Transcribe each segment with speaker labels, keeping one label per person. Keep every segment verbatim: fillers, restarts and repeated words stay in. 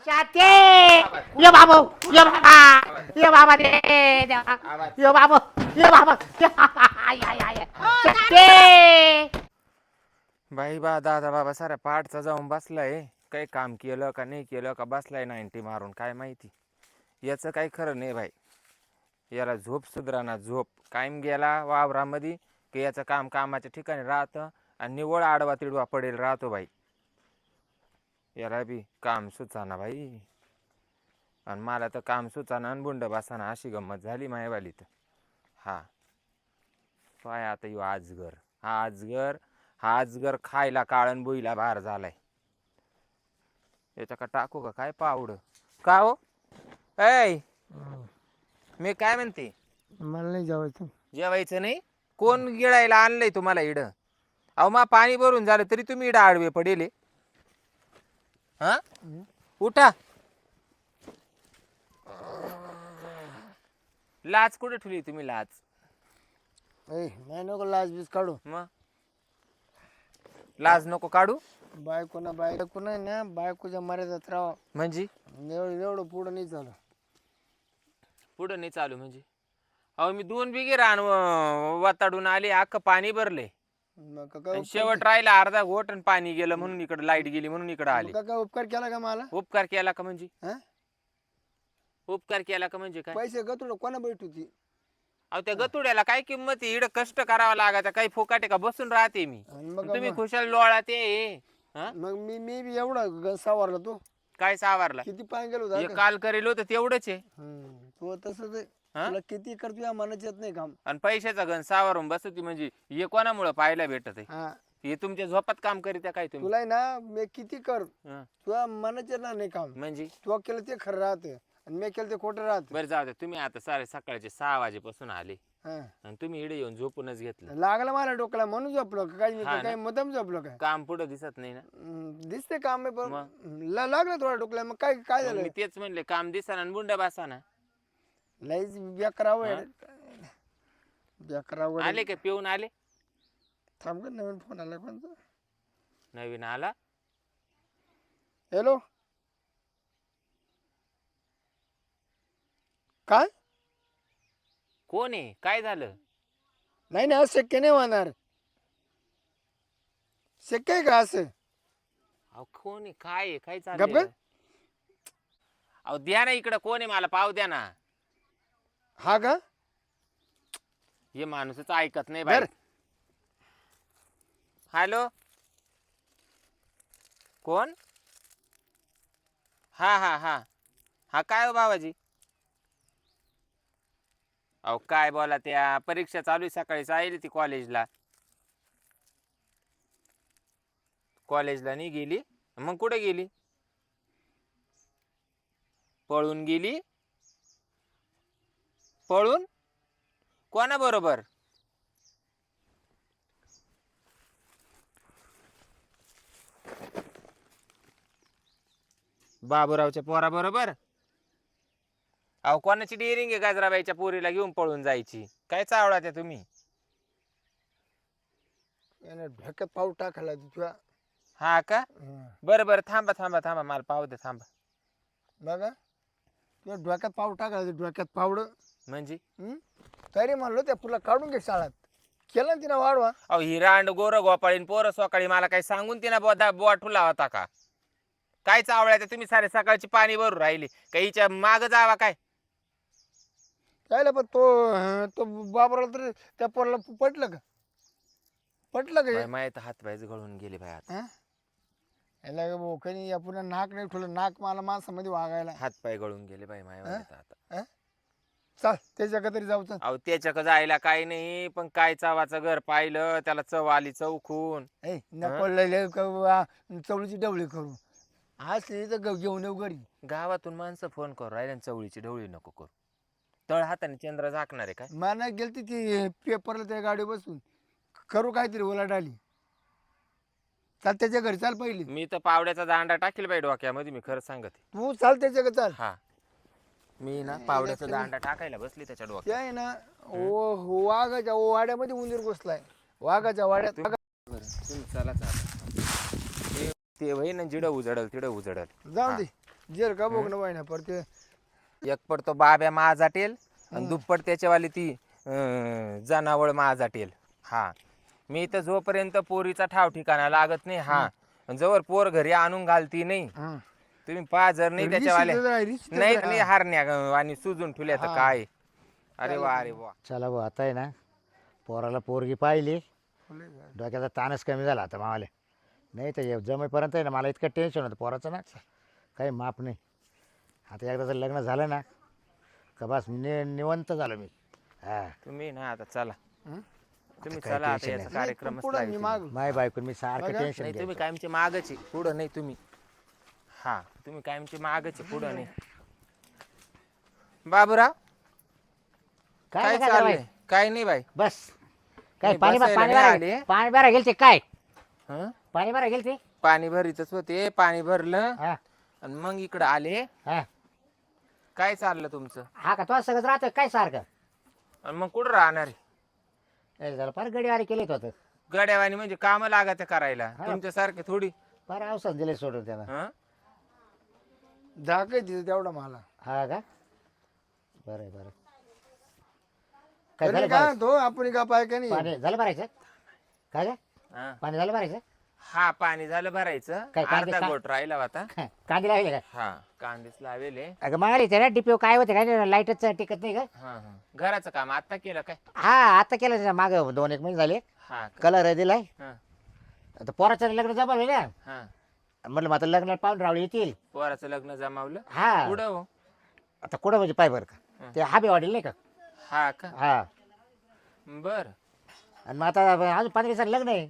Speaker 1: शाते ये बाबू ये बाबा ये बाबा रे ये बाबू ये बाबा आय आय आय शाते
Speaker 2: बाई बा दादा बाबा साऱ्या पाठचा जाऊन बसलाय. काही काम केलं का नाही केलं का बसलाय नाईन्टी मारून काय माहिती. याचं काही खरं नाही बाई. याला झोप सुधराना झोप. कायम गेला वावरामध्ये की याचं काम कामाच्या ठिकाणी राहतं आणि निवळ आडवा तिडवा पडेल राहतो बाई. याला बी काम सुचाना बाई. आणि मला तर काम सुचाना आणि बुंड बसाना अशी गंमत झाली मायवाली तर. हा काय आता यो आजगर हा आजगर हा आजगर खायला काळण बोईला बाहेर झालाय. याच्या का टाकू का काय पावड का हो ऐ मी काय म्हणते
Speaker 3: मला नाही जेवायचं.
Speaker 2: जेवायचं नाही. कोण गिळायला आणलंय तुम्हाला इड. अहो मा पाणी भरून झालं तरी तुम्ही इड आडवे पडेले. हा उठा. लाच कुठे ठेवली तुम्ही लाच.
Speaker 3: ए नाही नको लाज बीज काढू.
Speaker 2: मग लाज नको काढू.
Speaker 3: बायको ना बायको नाही ना बायकोच्या मर्यादेत राहा.
Speaker 2: म्हणजे
Speaker 3: एवढं एवढं पुढं नाही झालं.
Speaker 2: पुढं नाही चालू म्हणजे. अहो मी दोन बिघे रान वाताडून आले अख्खं पाणी भरले.
Speaker 3: मग का- काय
Speaker 2: शेवट राहिला अर्धा घोट आणि पाणी गेलं म्हणून इकडे लाईट गेली म्हणून इकडे आले.
Speaker 3: का- काय उपकार केला का मला.
Speaker 2: उपकार केला का म्हणजे
Speaker 3: हा?
Speaker 2: उपकार केला का म्हणजे काय.
Speaker 3: पैसे गतुड कोणा भेट होती.
Speaker 2: अहो त्या गतुड्याला काय किंमत आहे. इड कष्ट करावं लागायचं काही फुकाटे का बसून राहते मी.
Speaker 3: आणि मग
Speaker 2: तुम्ही
Speaker 3: मग-
Speaker 2: खुशाल लोळा ते हा?
Speaker 3: मग मी मी बी एवढा ग- सावरला तू
Speaker 2: काय सावारला
Speaker 3: किती पाय गेलो
Speaker 2: हे काल करेल होतं तेवढंच आहे.
Speaker 3: तू तसंच आहे.
Speaker 2: हा?
Speaker 3: तुला किती कर तुझ्या मनात येत नाही काम.
Speaker 2: आणि पैशाचा गण सावारून बसती म्हणजे हे कोणामुळे पाहायला भेटत आहे.
Speaker 3: हा
Speaker 2: हे तुमच्या झोपात काम करीत्या काय तुम्ही.
Speaker 3: तुला आहे ना मी किती कर
Speaker 2: हा.
Speaker 3: तुझ्या मनात येत नाही काम.
Speaker 2: म्हणजे
Speaker 3: तू केलं ते खरं राहते आणि मी केलं ते खोटं राहते.
Speaker 2: बरं जाऊ दे. तुम्ही आता सारे सकाळचे सहा वाजेपासून आले
Speaker 3: हा.
Speaker 2: आणि तुम्ही इडे येऊन झोपूनच घेतलं.
Speaker 3: लागलं मला डोक्याला म्हणून झोपलो का काही
Speaker 2: हा ना.
Speaker 3: काही मुद्दाम झोपलो काय.
Speaker 2: काम पुढे दिसत नाही ना.
Speaker 3: हम्म, दिसते काम आहे पण
Speaker 2: मग?
Speaker 3: ला- लागलं थोडा डोक्याला. मग काय काय
Speaker 2: मग
Speaker 3: झालं
Speaker 2: मी तेच म्हणले काम दिसाना आणि बुंडा बसाना.
Speaker 3: लईच बेकरावं बेकरावं
Speaker 2: आले का पिऊन आले.
Speaker 3: थांब का नवीन फोन आला कोणता.
Speaker 2: नवीन आला.
Speaker 3: हॅलो काय
Speaker 2: कोण आहे काय झालं.
Speaker 3: नाही नाही असं शक्य नाही होणार. शक्य आहे का असं.
Speaker 2: अहो कोण आहे काय आहे काय
Speaker 3: गप्प
Speaker 2: चाललंय.
Speaker 3: ग.
Speaker 2: अहो द्या ना इकडं कोण आहे मला पाव द्या ना.
Speaker 3: हा का
Speaker 2: हे माणूसच ऐकत नाही बाई.
Speaker 3: बर.
Speaker 2: हॅलो कोण. हा हा हा हा काय हो बाबाजी. अहो काय बोला त्या परीक्षा चालू आहे सकाळी जाईल ती कॉलेजला. कॉलेजला नाही गेली मग कुठे गेली. पळून गेली. पळून कोणा बरोबर. बाबूरावच्या पोरा बरोबर. अहो कोणाची डेअरिंग आहे गाजराबाईच्या पोरीला घेऊन पळून जायची. काय चावला त्या तुम्ही.
Speaker 3: यानं ढोक्यात पाऊल टाकायला तुझ्या.
Speaker 2: हा का
Speaker 3: हं.
Speaker 2: बरं बरं थांबा थांबा थांबा मला पाहू दे थांबा.
Speaker 3: बघा तुझ्या डोक्यात पाऊल टाकायला डोक्यात पावड.
Speaker 2: म्हणजे
Speaker 3: तरी म्हणलो त्या पुला काढून घे शाळात. केलं ना तिनं वाढवा.
Speaker 2: अहो हिरांड गोर गोपाळीन पोरं सकाळी मला काही सांगून तिनं बोधा बोठुला होता का. काय चावळ्या त्या तुम्ही सारे सकाळची पाणी भरून राहिली काहीच्या माग जावा काय.
Speaker 3: काय पण तो तो बाबराला तर त्या पोराला पटलं का पटलं का हे?
Speaker 2: बाई, माहित हात पायच गळून गेले बाई आता.
Speaker 3: हा? याला का भाऊ काही या पुन्हा नाक नाही ठेवलं. नाक मला माणसामध्ये वागायला.
Speaker 2: हात पाय गळून गेले बाई माय आता.
Speaker 3: चाल त्याच्या का तरी जाऊ चल.
Speaker 2: अहो त्याच्याक जायला काही नाही पण काय चावाचं घर पाहिलं त्याला चव आली चौखून.
Speaker 3: ए नको लय चवळीची डवळी करू. असली तर ग- घेऊन येऊ घरी.
Speaker 2: गावातून माणसं फोन करू राहिले आणि चवळीची ढवळी नको करू. तळ हाताने चंद्र झाकणार आहे काय.
Speaker 3: मला गेलती ती पेपरला त्या गाडी बसून करू काहीतरी ओलाडाली. चाल त्याच्या घरी चाल पहिली.
Speaker 2: मी तर पावड्याचा दांडा टाकील बाई डोक्यामध्ये मी खरं सांगते.
Speaker 3: तू चाल त्याच्या घरी चाल.
Speaker 2: हा मी ना पावड्याचा दांडा टाकायला बसली त्याच्या
Speaker 3: ते
Speaker 2: डोक्यात.
Speaker 3: आहे ना ओ वाघाच्या वाड्यामध्ये उंदीर घुसलाय. वाघाच्या वाड्यात.
Speaker 2: बरं, तुम्ही चला चला. ते- ते होई ना जिडं उजडल तिडं उजडल.
Speaker 3: जाऊ
Speaker 2: हा.
Speaker 3: दे जेल का बघ ना ना पर ते
Speaker 2: एक पडतो बाब्या माझाटेल आणि दुप्पट त्याच्यावाली ती अं, जनावळ माझाटेल. हा मी तर जोपर्यंत पोरीचा ठाव ठिकाणा लागत नाही हा जवळ पोर घरी आणून घालती नाही
Speaker 3: हं.
Speaker 2: तुम्ही पहा जर नाही त्याच्यावाले
Speaker 3: रिशीतच राह, रिशीतच
Speaker 2: नाही
Speaker 3: राह.
Speaker 2: नाही हारण्या आणि सुजून ठेवल्या तर
Speaker 3: हा.
Speaker 2: काय. अरे वा अरे वा.
Speaker 1: चला भाऊ आता आहे ना पोराला पोरगी पाहिली डोक्याचा ताणच कमी झाला आता मावाले. नाही तर हे जमेपर्यंत आहे ना मला इतकं टेन्शन होतं पोराचं ना काही माप नाही. आता एकदा जर लग्न झालं ना का बस नि निवंत झालो मी. हा
Speaker 2: तुम्ही ना आता चला
Speaker 3: हं?
Speaker 2: तुम्ही
Speaker 1: काय
Speaker 2: चला आता
Speaker 1: tension
Speaker 2: याचा
Speaker 1: नाही.
Speaker 2: कार्यक्रम
Speaker 3: पुढं मी माग
Speaker 1: माय बायको मी सारखं
Speaker 3: बघा.
Speaker 1: टेन्शन
Speaker 2: नाही तुम्ही
Speaker 1: घ्यायचं.
Speaker 2: कायमचे मागच आहे पुढं नाही तुम्ही. हा तुम्ही कायमचे मागच आहे पुढं नाही. बाबूराव
Speaker 1: काय
Speaker 2: काय
Speaker 1: नाही
Speaker 2: चाललंय
Speaker 1: बाई.
Speaker 2: काय नाही बाई.
Speaker 1: बस काय
Speaker 2: मी
Speaker 1: पाणी
Speaker 2: बसायला
Speaker 1: पाणी
Speaker 2: नाही
Speaker 1: भरा
Speaker 2: आले.
Speaker 1: पाणी भरा गेलते काय
Speaker 2: हं?
Speaker 1: पाणी भरा गेलते.
Speaker 2: पाणी भरीतच होते पाणी भरलं
Speaker 1: हा
Speaker 2: आणि मग इकडं आले.
Speaker 1: हा
Speaker 2: काय चाललं तुमचं
Speaker 1: हा का तो सगळं राहतोय काय सारखं.
Speaker 2: आणि मग कुठं राहणार आहे?
Speaker 1: ए, झालं फार गडीवारी केलेत होतं
Speaker 2: गड्यावानी म्हणजे काम लागत करायला
Speaker 1: हा.
Speaker 2: तुमच्यासारखे थोडी.
Speaker 1: फार औषध दिले सोडून त्याला.
Speaker 2: हं?
Speaker 3: धाकाय तिथे तेवढा मला
Speaker 1: हा का बरं बरं काय
Speaker 3: तरी
Speaker 1: झालं
Speaker 3: काय
Speaker 1: भरायचं?
Speaker 3: तो आपण का पाय का नाही
Speaker 1: पाणी झालं भरायचं काय काय
Speaker 2: हं.
Speaker 1: पाणी झालं भरायचं.
Speaker 2: हा पाणी झालं भरायचं
Speaker 1: काय कांदे
Speaker 2: अर्धा
Speaker 1: का-
Speaker 2: गोट राहिला होता.
Speaker 1: कांदे लावले काय
Speaker 2: हा कांदेच लावेले.
Speaker 1: अगं मागायला ते ना डीपीओ काय होते काय लाईटच टिकत नाही का.
Speaker 2: हा हा घराचं काम आता केलं काय?
Speaker 1: हा आता केलं त्याच्या मागं दोन एक महिने झाले
Speaker 2: हा का?
Speaker 1: कलर दिलाय.
Speaker 2: हा
Speaker 1: आता पोराचं लग्न जमवलं ना
Speaker 2: हा
Speaker 1: म्हटलं मग आता लग्नाला पाहून रावळे येतील.
Speaker 2: पोराचं लग्न जमावलं
Speaker 1: हा
Speaker 2: पुढं हो.
Speaker 1: आता कुठं म्हणजे पाय बरं का
Speaker 2: हं.
Speaker 1: ते हाबे वाढेल नाही का.
Speaker 2: हा का
Speaker 1: हा
Speaker 2: बर.
Speaker 1: आणि मग आता अजून पंधरा दिवसात लग्न आहे.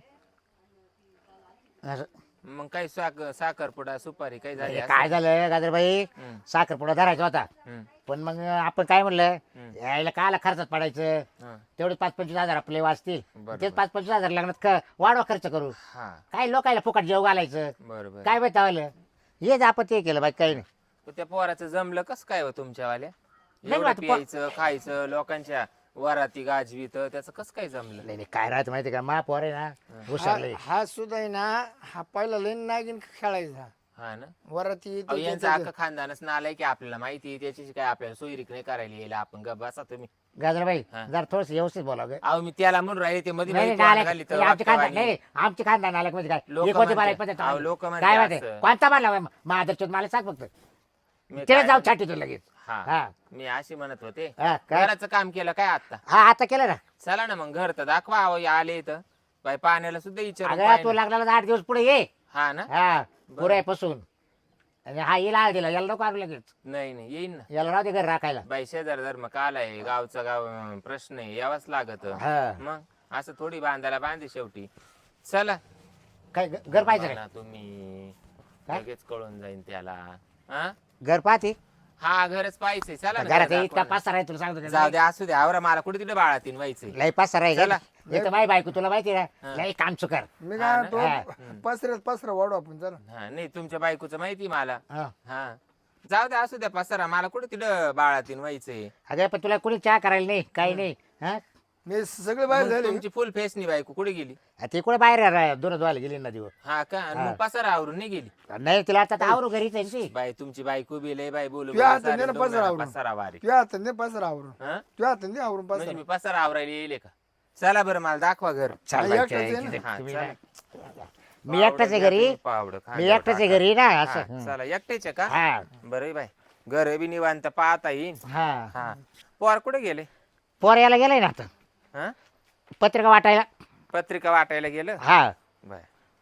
Speaker 1: असं.
Speaker 2: मग काही साखर साखरपुडा सुपारी काही झाली
Speaker 1: हे काय झालं गाजरबाई
Speaker 2: हं.
Speaker 1: साखरपुडा धरायचा होता
Speaker 2: हं,
Speaker 1: पण मग आपण काय म्हणलं
Speaker 2: हं.
Speaker 1: यायला कायला खर्चात पडायचं
Speaker 2: हं.
Speaker 1: तेवढे पाच पंचवीस हजार आपले वाचतील
Speaker 2: बरोबर.
Speaker 1: तेच पाच पंचवीस हजार लग्नात क- वाढवा खर्च करू.
Speaker 2: हा
Speaker 1: काय लोकायला फुकट जेव घालायचं
Speaker 2: बरोबर.
Speaker 1: काय माहिती आवलं हेच आपण ते केलं बाई काही नाही.
Speaker 2: त्या पोराचं जमलं कस काय हो तुमच्यावाल्या
Speaker 1: नाही
Speaker 2: एवढं
Speaker 1: आता पो-
Speaker 2: प्यायचं खायचं लोकांच्या वराती गाजवी तर त्याचं कसं काय जमलं?
Speaker 1: नाही नाही, काय राहतं माहिती का मा पोर आहे ना हुशार लय.
Speaker 3: हा हा सुद्धा आहे ना हा पहिला लेन नागिन खेळायचा
Speaker 2: हा ना
Speaker 3: वरात येते
Speaker 2: अहो, यांचं
Speaker 3: त्याचं-
Speaker 2: अख्खं खानदानच नालाय की आपल्याला माहिती आहे, त्याची काय आपल्याला सोयरीक नाही करायला येईल आपण ग बसा तुम्ही.
Speaker 1: गाजरबाई
Speaker 2: हा.
Speaker 1: जरा थोडस व्यवस्थित बोलावं.
Speaker 2: अहो मी त्याला म्हणून राहिले ते मध्ये
Speaker 1: नाही
Speaker 2: मध्ये
Speaker 1: नाही,
Speaker 2: तोंड
Speaker 1: नालायक.
Speaker 2: घाली तर
Speaker 1: हे आमची खानदान
Speaker 2: वाक्यवाणी.
Speaker 1: नाही आमची खानदान नालायक म्हणजे काय
Speaker 2: लोकं
Speaker 1: हे कोणती
Speaker 2: म्हणतात.
Speaker 1: बालायक पद्धत
Speaker 2: अहो, लोकं म्हणतात
Speaker 1: काय माहिती
Speaker 2: असं.
Speaker 1: कोणता मारला महादरचोत मला सांग फक्त
Speaker 2: मी
Speaker 1: तिला
Speaker 2: काय
Speaker 1: जाऊ
Speaker 2: म्हणतो-
Speaker 1: छाटी तू लगेच.
Speaker 2: हा
Speaker 1: हा
Speaker 2: मी अशी म्हणत होते
Speaker 1: हा, काय
Speaker 2: घराचं काम केलं काय आता?
Speaker 1: हा आता केलं ना.
Speaker 2: चला ना मग घर तर दाखवा अहो, आले तर बाई पाण्याला सुद्धा विचारून
Speaker 1: अगं
Speaker 2: पाहिलं.
Speaker 1: तू लागला आठ दिवस पुढे ये.
Speaker 2: हा ना
Speaker 1: हा पुऱ्यापासून आणि हा येला दिला याला नको आणू लगेच
Speaker 2: नाही नाही येईन ना
Speaker 1: याला राहू दे घर राखायला.
Speaker 2: बाई शेजार धर्म काल आहे गावचा गाव अं, प्रश्न आहे यावाच लागत
Speaker 1: हा
Speaker 2: मग असं थोडी बांधायला बांधे शेवटी. चला
Speaker 1: काय घ- घर पाहिजे
Speaker 2: बघा ना तुम्ही
Speaker 1: काय?
Speaker 2: लगेच कळून जाईन त्याला. हा
Speaker 1: घर पाहते
Speaker 2: हा घरच पाहिजे चला ना
Speaker 1: घरात
Speaker 2: घर
Speaker 1: इतका
Speaker 2: दाखवा
Speaker 1: पासा आहे तुला सांगतो
Speaker 2: ना.
Speaker 1: त्याचा.
Speaker 2: जाऊ द्या असू द्या आवरा मला कुठे तिथे बाळातीन व्हायचंय.
Speaker 1: लय पासा आहे
Speaker 2: चला.
Speaker 1: एक तर माझी बायको तुला माहिती आहे
Speaker 2: हा.
Speaker 1: ना लय काम चुकार.
Speaker 3: मी
Speaker 2: हा
Speaker 3: काय
Speaker 2: ना?
Speaker 3: तो पसऱ्यात पसरा वाढू आपण चला.
Speaker 2: हा नाही तुमच्या बायकोचं माहिती मला.
Speaker 1: हा.
Speaker 2: हा जाऊ द्या असू द्या पसारा मला कुठे तिथं बाळातीन व्हायचंय.
Speaker 1: अगं पण तुला कोणी चहा करायला नाही काही नाही हा
Speaker 3: मी सगळे बाहेर
Speaker 2: मग
Speaker 3: झाले
Speaker 2: तुमची फुल फेसनी बायको कुठे गेली?
Speaker 1: आ, ती कुठे बाहेर रा- दोन धुवायला गेली नदीवर.
Speaker 2: हा का आणि
Speaker 1: हा.
Speaker 2: मग पसारा आवरून नाही गेली?
Speaker 1: नाही तिला आता आवरू घरीच आहे ती.
Speaker 2: बाई तुमची बायको बी लय बाई बोलू
Speaker 3: तुझ्या
Speaker 2: बोलू
Speaker 3: हातात
Speaker 2: सारे
Speaker 3: दे ना
Speaker 2: दोघं
Speaker 3: पसारा आवरून.
Speaker 2: पसारा वारी.
Speaker 3: तुझ्या हातात नाही पसरा आवरून
Speaker 2: हा?
Speaker 3: तुझ्या हातात नाही आवरून
Speaker 2: म्हणजे
Speaker 3: पसरा
Speaker 2: मी पसारा आवरायला येईल का? चला बरं मला दाखवा घर.
Speaker 1: चाल
Speaker 3: हा,
Speaker 1: बाई,
Speaker 3: एकटाच
Speaker 1: त्या-
Speaker 3: आहे ना?
Speaker 1: तिथे
Speaker 2: हा,
Speaker 1: तुम्ही
Speaker 2: चला.
Speaker 1: ना- मी एकटाच आहे घरी
Speaker 2: पावडं खा,
Speaker 1: मी
Speaker 2: जरा
Speaker 1: एकटाच आहे
Speaker 2: टाका.
Speaker 1: घरी ना
Speaker 2: हा,
Speaker 1: असं हं.
Speaker 2: चला एकटेच आहे का?
Speaker 1: हा
Speaker 2: बरं बाई घर बी निवांत पाहता येईल.
Speaker 1: हा
Speaker 2: हा पोर कुठे गेले?
Speaker 1: पोर यायला गेलाय ना आता
Speaker 2: हा
Speaker 1: पत्रिका वाटायला.
Speaker 2: पत्रिका वाटायला गेलं.
Speaker 1: हा
Speaker 2: बर